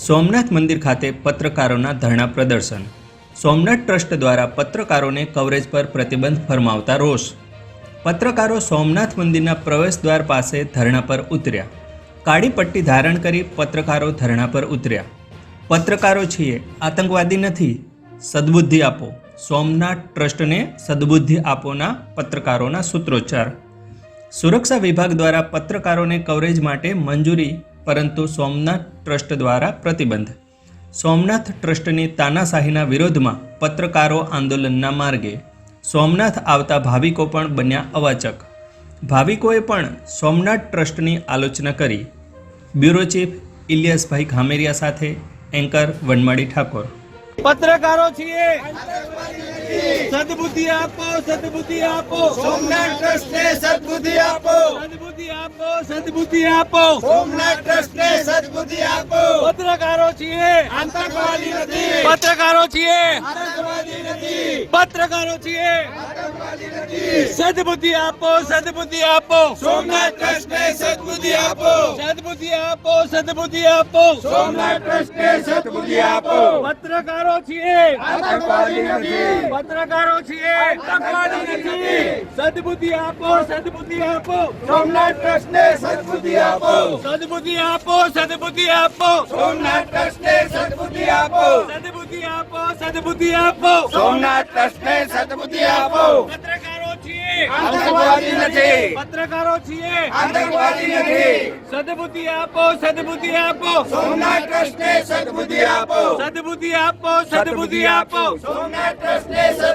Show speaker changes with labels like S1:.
S1: સોમનાથ મંદિર ખાતે પત્રકારોના ધરણા પ્રદર્શન। સોમનાથ ટ્રસ્ટ દ્વારા પત્રકારોને કવરેજ પર પ્રતિબંધ ફરમાવતા રોષ। પત્રકારો સોમનાથ મંદિરના પ્રવેશદ્વાર પાસે ધરણા પર ઉતર્યા। કાળી પટ્ટી ધારણ કરી પત્રકારો ધરણા પર ઉતર્યા। પત્રકારો છીએ, આતંકવાદી નથી, સદબુદ્ધિ આપો। સોમનાથ ટ્રસ્ટને સદબુદ્ધિ આપોના પત્રકારોના સૂત્રોચ્ચાર। સુરક્ષા વિભાગ દ્વારા પત્રકારોને કવરેજ માટે મંજૂરી, પરંતુ સોમનાથ ટ્રસ્ટ દ્વારા પ્રતિબંધ। સોમનાથ ટ્રસ્ટની તાનાશાહીના વિરોધમાં પત્રકારો આંદોલનના માર્ગે। સોમનાથ આવતા ભાવિકો પણ બન્યા અવાચક। ભાવિકોએ પણ સોમનાથ ટ્રસ્ટની આલોચના કરી। બ્યુરો ચીફ ઇલિયાસભાઈ ખામેરિયા સાથે એન્કર વનમાળી ઠાકોર।
S2: પત્રકારો છીએ, સદબુદ્ધિ આપો, સદબુદ્ધિ આપો,
S3: સોમનાથ ટ્રસ્ટને સદબુદ્ધિ આપો,
S2: સદબુદ્ધિ આપો, સદબુદ્ધિ આપો,
S3: સોમનાથ ટ્રસ્ટને સદબુદ્ધિ આપો।
S2: પત્રકારો છીએ,
S3: આતંકવાદી નથી,
S2: પત્રકારો છીએ,
S3: આતંકવાદી નથી,
S2: પત્રકારો છીએ,
S3: આતંકવાદી નથી।
S2: સદબુદ્ધિ આપો, સદબુદ્ધિ આપો,
S3: સોમનાથ ટ્રસ્ટને સદબુદ્ધિ આપો,
S2: સદબુદ્ધિ આપો, સદબુદ્ધિ આપો,
S3: સોમનાથ ટ્રસ્ટને સદબુદ્ધિ આપો।
S2: પત્રકારો છીએ,
S3: આતંકવાદી નથી,
S2: પત્રકારો છીએ,
S3: આતંકવાદી નથી।
S2: સદબુદ્ધિ આપો, સદબુદ્ધિ આપો,
S3: સોમનાથ ટ્રસ્ટને સદબુદ્ધિ આપો,
S2: સદબુદ્ધિ આપો, સદબુદ્ધિ આપો,
S3: સોમનાથ ટ્રસ્ટને સદબુદ્ધિ આપો,
S2: સદબુદ્ધિ આપો, સદબુદ્ધિ આપો,
S3: સોમનાથ ટ્રસ્ટને સદબુદ્ધિ આપો।
S2: પત્રકારો છીએ,
S3: આતંકવાદી નથી,
S2: પત્રકારો છીએ,
S3: આતંકવાદી નથી,
S2: સદબુદ્ધિ આપો, સદબુદ્ધિ આપો,
S3: સોમનાથ ટ્રસ્ટને સદબુદ્ધિ આપો,
S2: સદબુદ્ધિ આપો, સદબુદ્ધિ આપો,
S3: સોમનાથ ટ્રસ્ટને